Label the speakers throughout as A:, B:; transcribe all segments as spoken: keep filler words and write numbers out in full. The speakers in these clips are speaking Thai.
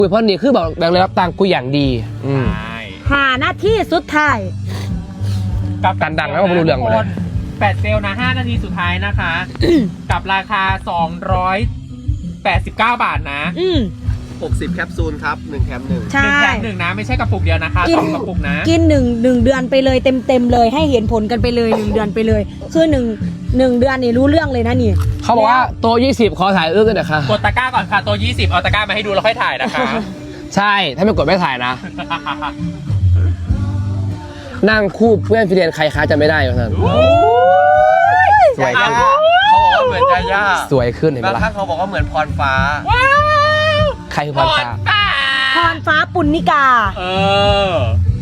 A: คุยเพราะนี่คือแบบแบ่งเลยรับตังค์กูอย่างดีอืม
B: หาหน้าที่สุดท้าย
C: กับ
A: การดังแล้วก็ไม่รู้เรื่องหมดเลย
C: แปดเซลนะห้านาทีสุดท้ายนะคะ กับราคาสองร้อยแปดสิบเก้าบาทนะ
B: อืม
D: หกสิบแคปซูลครับหนึ่งแถมหนึ่ง
B: ใช่
C: หนึ่งแถมหนึ่งนะไม่ใช่กระปุกเดียวนะคะ
B: กิน
C: สองกระปุกนะ
B: กินหนึ่งหนึ่งเดือนไปเลยเต็มเต็มๆเลยให้เห็นผลกันไปเลยหนึ่งเดือนไปเลยคือหนึ่งหนึ่งเดือนนี่รู้เรื่องเลยนะนี่
A: เขาบอกว่าโต๊ะยี่สิบขอถ่ายเอื้อกันนะคะ
C: กดตะกร้าก่อนค่ะตัวยี่สิบเอาตะกร้ามาให้ดูแล้วค่อยถ่ายนะคะ
A: ใช่ถ้าไม่กดไม่ถ่ายนะ นั่งคู่เพื่อนฟิเดียนใครคะจะไม่ได้เหรอท่านสวย
D: ยา
A: ขึ้น
D: ย่าเขาบอกว่าเหมือนยาย่า
A: สวยขึ้นเห็นไหม
D: บาง
A: ล่ะ
D: ครั้งเขาบอกว่าเหมือนพรฟ้า
C: ว้าว
A: ใครคือพรฟ้า
B: พรฟ้าปุณณิกา
C: เออย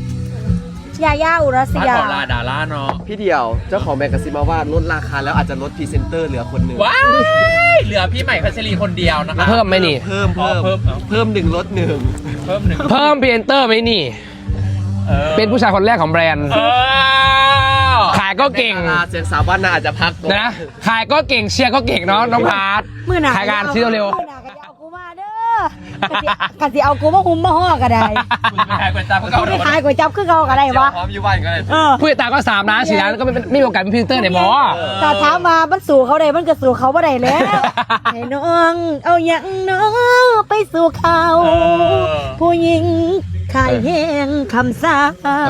B: าย่าอุรัส
C: บ้าน
B: ยา
C: ของลาดาล่าเนาะ
D: พี่เดียวเจ้าของแมกกาซีนมาว่าลดราคาแล้วอาจจะลดพรีเซนเตอร์เหลือคนหนึ่ง
C: ว้ายเหลือพี่ใหม่พัชรีคนเดียวนะคะ
A: เพิ่มไหมนี่
D: เพิ่ม
C: อ๋อ
D: เพิ่ม
C: เพิ่ม
D: เพิ่มหนึ่งลดหนึ่ง
C: เพิ่มหนึ่ง
A: เพิ่มพรีเซนเตอร์ไหมนี่
C: ออ
A: เป็นผู้ชายคนแรกของแบรนด์
C: เออ
A: ขายก็เก่ง
D: ดาราเสียงสาวบ้านนาอาจจะพักก่อน
A: นะ ขายก็เก่งเชียร์ก็เก่งเนาะน้องพาร์ท
B: มื่อหนา
A: ขายงานซื้อเร็ว
B: มื่อหนากะจะเอากูมาเด้อกะสิเอากูมาหุ้มมาห่อก็ได้
C: คุณไปขายก๋วยจั๊บก็
B: กู
C: เก่า
B: ได้ขายก๋วยจั๊บคือเขาก็ได้
D: เดี๋ยว
B: วะ
D: พร้อมอยู่บ้านก็ได้
B: เออ
A: ผู้ติดตามก็สามล้านสี่ล้านก็ไม่ไม่มีโอกาสเป็นพรีเซนเตอร์ในบอ
B: ถ้าถามมามันสู่เขาได้มันก็สู่เขาบ่ได้แล้ว ให้น้องเอาอย่างน้องไปสู่เขา ผู้หญิงขายแห้งคำสาว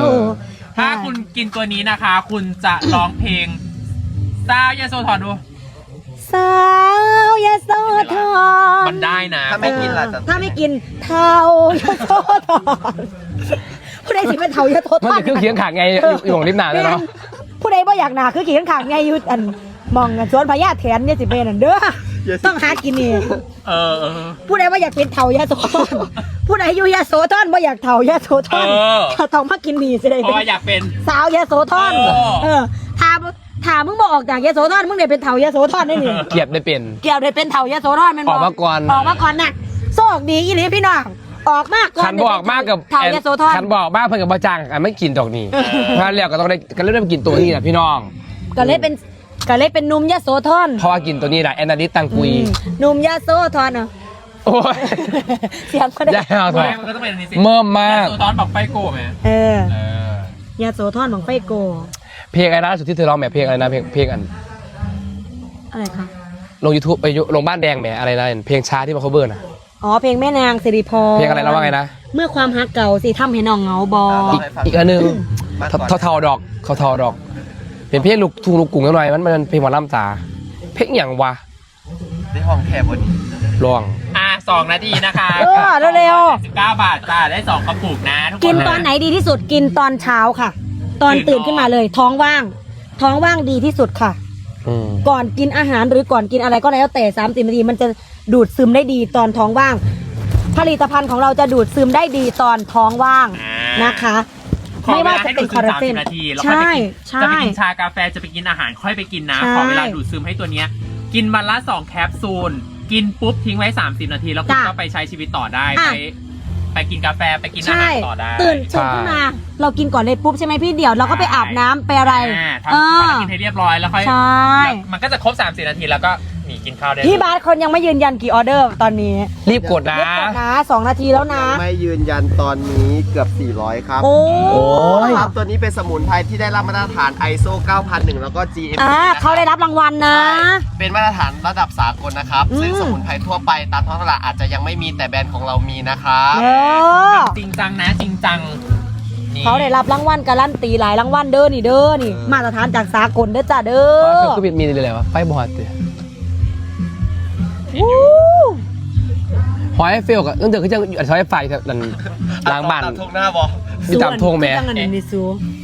C: ถ้าคุณกินตัวนี้นะคะ คุณจะร้องเพลงซาวยาโซทอนดู
B: สาวยาโสธร
C: มันได้นะ
D: ถ้าไม่กินล่ะจะ
B: ถ้าไม่กินเทายาโสธรผู้ใดสิเป็นเทายาโสธ
A: มัน
B: ร
A: จะคือเคียงขางไงอยู่อยู่ของริมหนาเลยเนาะ
B: ผู้ใดบ่อยากหนาคือขี่ข้างขางไงอยู่อันมองอันสวนพญาแถนเนี่ยสิเป็นอันเด้อต้องหากินนี่
C: เออเออ
B: ผู้ใดบ่อยากเป็นเทายาโสธรผู้ใดอยู่ยาโสธรบ่อยากเทายาโสธร
C: เออ
B: ถ้าต้องมากินนี่สิได้
C: เพราะ
B: เป็น
C: ว่าอยากเป็น
B: สาวยาโสธร
C: โอ้
B: เออถามถามมึงบอกออกจากยาโสธรมึงได้เป็นเทายาโสธรได้นี่
A: เกียบได้เปลี่ยน
B: เกี่ยวได้เป็นเทายาโสธรแมัน
A: ออกมาก่อน
B: ออกมาก่อนน่ะโชคดีอีหลีพี่น้องออกมาก่อน
A: คันบอกมากกับ
B: เทายาโสธร
A: คันบอกมากเพื่อนกับบาจังอ่ะไม่กินดอกนี่ถ้าเรียกก็ต้องได้ก็เริ่มได้กินตัวนี้แหละพี่น้อง
B: ก็เลยเป็นก็เลยเป็นหนุ่มยาโสธร
A: เพราะว่ากินตัวนี้แหละแอนนาลิสตังกุย
B: อืมหนุ่มยาโสธรเนาะ
A: โอ้ย
B: เสียงก็ได้
A: ยาว
C: ไม่มันก็ต้องเป็นอันนี้สิ
A: เมื่มมาก
C: ยโซตอนบอกไฟโก้ไหม
B: เออ
C: เออ
B: ยาโสธรของไฟโก
A: เพลงอะไรนะสุดที่เธอร้องแหมเพลงอะไรนะเพลงเพลงอัน
B: อะไรคะ
A: ลงยูทูบไปลงบ้านแดงแหมอะไรนะเพลงช้าที่มา cover น่ะ
B: อ๋อเพลงแม่นางสิริพร
A: เพลงอะไรนะว่าไงนะ
B: เมื่อความฮักเก่าสิทำให้น้องเหงาบอ
D: อ่ะล
A: อี
D: ง
A: ก
D: ให้ฟัง
A: อีกอันหนึง
D: มาก่อน
A: เทาๆดอกเทาๆดอก เป็นเพลงลูกทุ่งลูกกรุ้งหน่อยมันมันเพลงหมอลำจ๋าเพลงอย่างวะ
D: ได้ห้องแคบบนนี้
A: ลอง
C: อ่ะสองนาทีนะคะ
B: เออเร็ว
C: สิบเก้าบาทจ้าได้สองกระปุกนะทุก
B: ๆ
C: ค
B: กิน
C: น
B: ตอนไหนดีที่สุดกินตอนเช้าค่ะ ตอน
C: ตื่
B: ตื่
C: น
B: น
C: นอน
B: ขึ้นมาเลย ท้องว่าง ท้องว่างดีที่สุดค่ะ
A: อืม
B: ก่อนกินอาหารหรือก่อนกินอะไรก็แล้วแต่สามสิบนาทีมันจะดูดซึมได้ดีตอนท้องว่าง ผลิตภัณฑ์ของเราจะดูดซึมได้ดีตอนท้องว่าง
C: อ่า
B: นะคะ
C: ขอ
B: ไม่
C: เว
B: ว่า
C: ลา
B: จะ
C: ให้
B: เป็
C: ดู
B: น
C: ด
B: ค
C: ซึ
B: อ
C: ม
B: ลลา
C: สาม
B: เจ
C: สิ
B: น
C: บนาทีแล้ว
B: ใช่
C: ค่อยไปกินจะไป
B: ใช่
C: กินชากาแฟจะไปกินอาหารค่อยไปกินนะ
B: ใช่
C: ขอเวลาดูดซึมให้ตัวเนี้ยกินวันละสองแคปซูลกินปุ๊บทิ้งไว้สามสิบนาทีแล้วคุณ
B: จ้ะ
C: ก็ไปใช้ชีวิตต่อได้
B: อ่ะ
C: ไปไปกินกาแฟไปกินอา
B: ใช่
C: หารต่อได้
B: ตื่นตื่นขึ้นมา เรากินก่อนเลยปุ๊บใช่ไหมพี่เดี๋ยวเราก็ไปอาบน้ำไปอะไร
C: อ่า
B: เอ
C: ทำ
B: อ
C: ภารกิจให้เรียบร้อยแล้วค่อย
B: ใช่
C: แล้วมันก็จะครบสามสิบนาทีแล้วก็หนีกินข้าวได้
B: พี่บาสคนยังไม่ยืนยันกี่ออเดอร์ตอนนี้
A: รีบกดนะ
B: เรียบกดนะสองนาทีแล้วนะ
D: ไม่ยืนยันตอนนี้เกือบสี่ร้อยครับ
B: โอ้
A: โอ้ย
D: ครับตัวนี้เป็นสมุนไพรที่ได้รับมาตรฐาน ไอ เอส โอ เก้าพันหนึ่ง แล้วก็ จี เอ็ม
B: อ่า
D: นะครับ
B: เขาได้รับรางวัลนะ
D: ใช่เป็นมาตรฐานระดับสากลนะครับ
B: อืม
D: ซึ่งสมุนไพรทั่วไปตามท้องตลาดอาจจะยังไม่มีแต่แบรนด์ของเรามีนะครับ
B: เออ
C: จริงจังนะจริงจังนี่
B: เขาได้รับรางวัลการันตีหลายรางวัลเด้อนี่เด้อนี่ มาตรฐานจากสากลเด้อจ้าเด้
A: เอ
B: อ
A: อคือมีเลยอะไรวะไฟบอดเตะ
B: วู้
A: หอยเฟลกับเรื่องเดิมคือจะอยู่ซอยไฟแถวนั้นล้างบ้าน
D: ตามทงหน้าบอ
A: มีตามทงแหม่
B: คือจังอันนี้ซู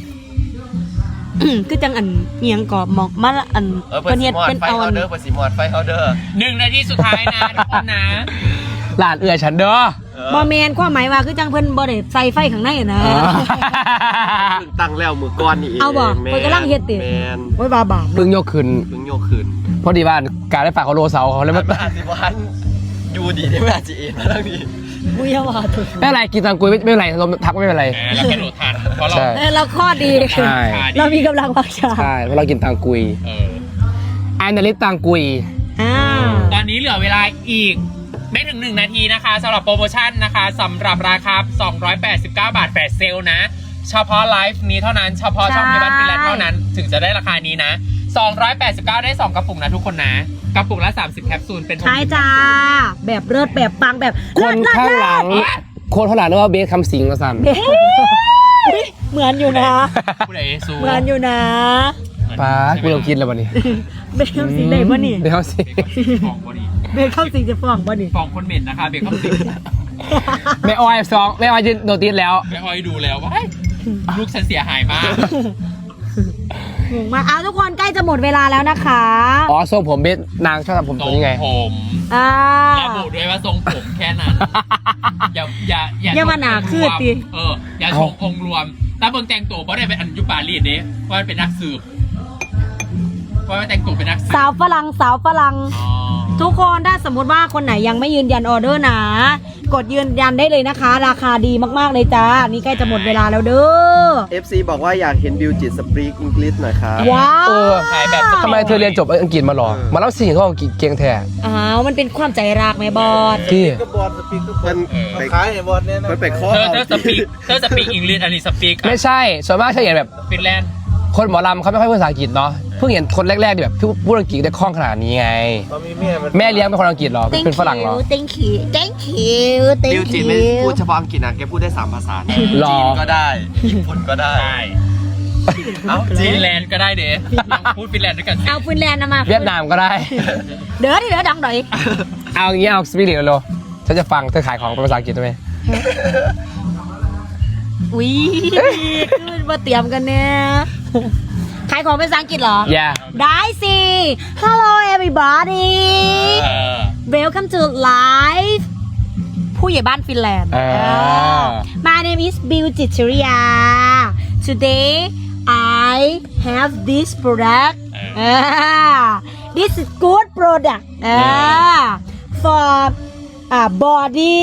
B: คือจังอันเอียงกอบหมอกมาอัน
D: เออเปิด
B: เฮ็
D: สี
B: ด
D: มอด
B: เป็น
D: ไฟ
B: เอา
D: เฮา
B: อัน
D: เดอร์เปิดสีมอดไฟเฮาเดอร์
C: หนึ่งนาทีสุดท้ายนะทุกคนนะ
A: หลานเอือฉันเด้อ
B: บ่แมนความหมายว่าคือจังเพิ่นบ่ได้ใส่ไฟข้างในนะ
A: อ๋อ
D: เพิ่งตั้งแล้วมือก้อนนี่เอง
B: เอาบ่
D: แม่
B: เพิ่นกำลังเฮ็ดติ
D: แมน
B: โอ้ยบาบาป
A: เพิ่งยกขึ้น
D: เพิ่งโยกคืน
A: พอดีบ้านการได้ฝากเขาโลเสาเขาเลย
D: มั
A: มัน น
D: อาจสิวันอยู่ดีได้ไม่อาจจะเอ็นมาทางนี้
B: มุยว่าถูก
A: ไม่เป็นไรกินตังกุยไม่ไม่เป็นไรลมทักไม่เป็นไร
C: แหมแล้วกระโดดทันเพราะเรา
A: ใช่
B: เออเราข้อดี
A: ใช่
B: เรามีกำลังวังชา
A: ใช่เพราะเรากินตังกุย
C: เออ
A: แอนนาลิสตังกุย
B: อ่า
C: ตอนนี้เหลือเวลาอีกไม่ถึงหนึ่งนาทีนะคะสำหรับโปรโมชั่นนะคะสำหรับราคาสองร้อยแปดสิบเก้าบาทแฟลชเซลนะเฉพาะไลฟ์นี้เท่านั้นเฉพาะช่องในบ้านฟินแลนด์เท่านั้นถึงจะได้ราคานี้นะสองร้อยแปดสิบเก้าได้สองกระปุกนะทุกคนนะกระปุกละสามสิบแคปซูลเป็น
B: ใช่จ้าแบบเลิศแบบปังแบบ
A: คน
B: เลิศ
A: ข้างหลัง
B: เลิศ
A: คนข้างหลังนึกว่าเบสคำสิงห์มาสั่น
B: เลิศเหมือนอยู่นะ
C: ผู้ใดซู
B: เหมือนอยู่นะ
A: ป้ากูต้องกินแล้ววันนี้
B: เบคคำสิงได้ปะนี่
A: เบสคำสิงห์
C: ฟองบอดี
B: เบคคำสิงจะฟ้องปะนี่
C: ฟองคนเหม็นนะคะเบคอนสิ
A: แม่ออยสองแม่ออยจะโดนตีแล้ว
C: ไม่ค่อยดูแล้วว่าลูกฉันเสียหายมาก
B: งงมากเอาทุกคนใกล้จะหมดเวลาแล้วนะคะ
A: อ๋อทรงผมเบสนางชอบทำผม
C: ท
A: ตั
C: ร
A: ว
C: ง
A: นี้ไง
C: ผม
B: อ่า
C: ระบุด้วยว่าทรงผมแค่นั้น อย่าอย่า
B: อย่ามาหนาขึ้นดิ
C: เอออย่าชงองค์รวมถ้าเบิ่งแต่งตัวเพราะได้เป็นอันยุปารีดเด้ว่าเป็นนักสืบว่าแต่งตัวเป็นนักสืบ
B: สาวฝรั่งสาวฝรั่ง
C: อ๋อ
B: ทุกคนถ้าสมมติว่าคนไหนยังไม่ยืนยันออเดอร์นะ กดยืนยันได้เลยนะคะ ราคาดีมากๆเลยจ้า นี่ใกล้จะหมดเวลาแล้วเด้อ
D: เอฟ ซี บอกว่าอยากเห็นบิวจิตสปรีกอังกฤษหน่อยครับ
B: ว้าว
A: เออ
C: ขายแบบ
A: ทำไมเธอเรียนจบอังกฤษมาหรอ มาเล่าสิ่งเขาอังกฤษเก่งแท้
B: อ้าวมันเป็นความใจรักไหมบอส
A: ที่
E: ก็บอลสปีกก็บอ
D: มั
E: ล
D: นไป
E: ขายไอ้บอลเนี่ยนะ
D: มันไปข้อ
C: เธอ
D: เอา
C: เธอสปีกเธอสปีกอังกฤษอันนี้สปีก
A: ไม่ใช่ ส่วนมากฉันเห็นแบบ
C: ฟินแลนด์
A: คนหมอลำเขาไม่ค่อยพูดภาษาอังกฤษเนาะ เพิ่งเห็นคนแรกๆที่แบบพูดอังกฤษได้คล่องขนาดนี้ไง
E: ตอนมีเมียมัน
A: แม่เลี้ยงเป็นคนอังกฤษเหรอ เป็นฝรั่งเหรอ
B: thank you thank you
D: บิว
B: thank
D: จิต
B: you
D: ไม่พูดเฉพาะอังกฤษนะแกพูดได้สามภาษานะ
A: หรอ
D: จีนก็ได้ ญี่ปุ่นก็ได้
C: ใช่
D: เอ้าจี
C: ฟิ
D: น
C: นแลนด์ก็ได้เด้ลองพูดฟินแลนด์ด้วยกันสิ
B: เอาฟินแลนด์นะมา
A: เวียดนามก็ได้
B: เด้อดิเด้อดังหน่อย
A: เอาอย่างเงี้ยเอาสปีดเร็วๆฉันจะฟังเธอขายของเป็นภาษาอังกฤษได้ไหม
B: อุ้ยขึ้นมาเตรียมกันเนี่ยขายของเป็นภาษาอังกฤษเหรอ
A: อย่า
B: ได้สิ Hello everybody
C: เออ
B: Welcome to live ผู้ใหญ่บ้านฟินแลนด์
A: อ่า
B: My name is Bill Chicheria Today I have this product อ่า This is good product อ่า for อ่า body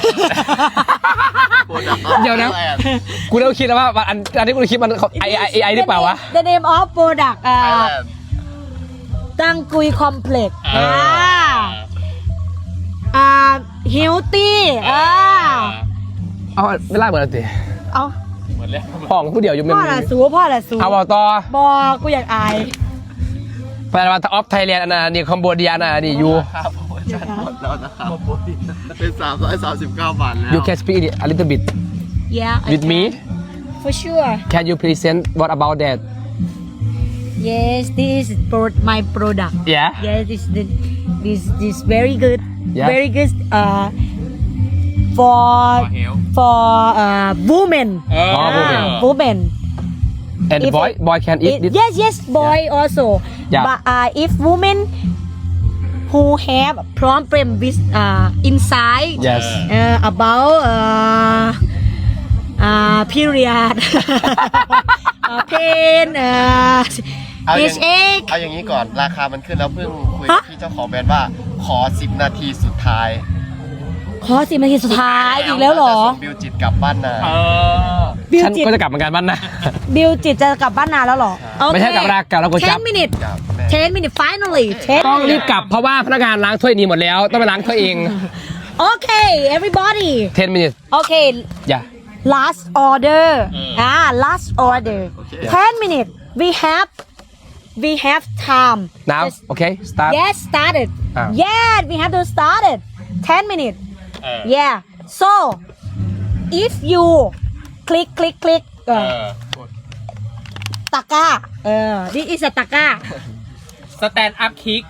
A: เดี๋ยวนะ กูเริ่มคิดแล้วว่าอันอันที่กูคิดมันไอไอไอหรือเปล่าวะ
B: The name of product อ่าตั้งกุยคอมเพล็กซ์
C: เอ
B: อ่า
C: อ
B: อ่า healthy อ่า
A: เอาไม่ไล่เหมือนกันสิ
B: เอา
C: เหมือนแล้ว
A: ห้องผู้เดียวอยู่เมม
B: พ่อละสูพ่อละสู
A: เอาบอกต่อ
B: บอกกูอยากอาย
A: ไปมาออฟไทยแลนด์อันนั้นนี่คอมโบเดียนะนี่ยู
D: ครับโปรโมชั่นหมดแล้วนะครับเป็นสามร้อยสามสิบเก้าบาทแล้ว
A: you can speak a little bit
B: yeah I
A: with me
B: can. for sure
A: can you present what about that
B: yes this is pro- my product
A: yeah
B: yes this the this this very good
A: Yeah.
B: very good uh for
C: For health.
B: for uh women
C: เออ
A: อ๋อ women.
B: Ah, women
A: and
B: If
A: boy
B: it-
A: boy can eat
B: It-
A: this
B: yes yes boy also
A: Yeah.
B: but uh, if women who have problem with uh, inside
A: yes
B: uh, about uh, uh, period uh, pain uh,
D: เอาอย่าง
B: headache
D: เอาอย่างนี้ก่อนราคามันขึ้นแล้วเพิ่งคุย
B: ฮะ
D: กับพี่เจ้าของแบรนด์ว่าขอสิบนาทีสุดท้าย
B: ขอสิบนาทีสุดท้ายอีกแล้วเหรอ
D: จะส่งบิวจิตกลับบ้านนา
C: เออ
B: บิว
A: ฉัน
B: จิต
A: ก็จะกลับเหมือนกันบ้านนะ
B: บิวจิตจะกลับบ้านนานแล้วเหรอ
A: ไม่ใช่กลับรากกลับแล้วก็จับ
B: ten minutes
D: กลับแม่
B: ten minutes finally ten
A: ต้องรีบ
B: minutes
A: กลับเพราะว่าพนักงานล้างถ้วยนี้หมดแล้ว ต้องไปล้างถ้วยเอง
B: okay everybody
A: ten minutes
B: okay
A: อย่า
B: last order ah last order ten minutes we have we have time
A: now
B: Just-
A: okay start
B: yes started
A: Ah.
B: yeah we have to start it ten minutes
C: เออ
B: yeah so if you click click click เอ
C: เอ
B: อ
C: อ
B: ตะกร้าเออ this is a ตะกร้า
C: สแตนด์อัพคิก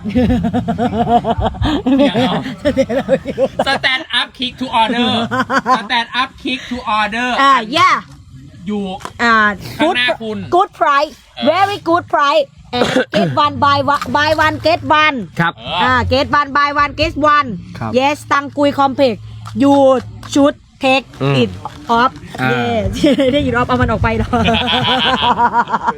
C: สแตนด์อัพคิกทูออเดอร์สแตนด์อัพคิกทูออเดอร์
B: อ่า yeah
C: อยู่
B: อ่า
C: ข้าง
B: good
C: หน้าคุณ
B: good price very good price and get one buy one buy one get one
A: ครับ
C: เออ
B: อ่า get one buy one get one
A: ครับ
B: yes ตังกุย complex you should take
A: อืม
B: it off
A: อ่า
B: yes ได้ยิน off เอามันออกไปหรอ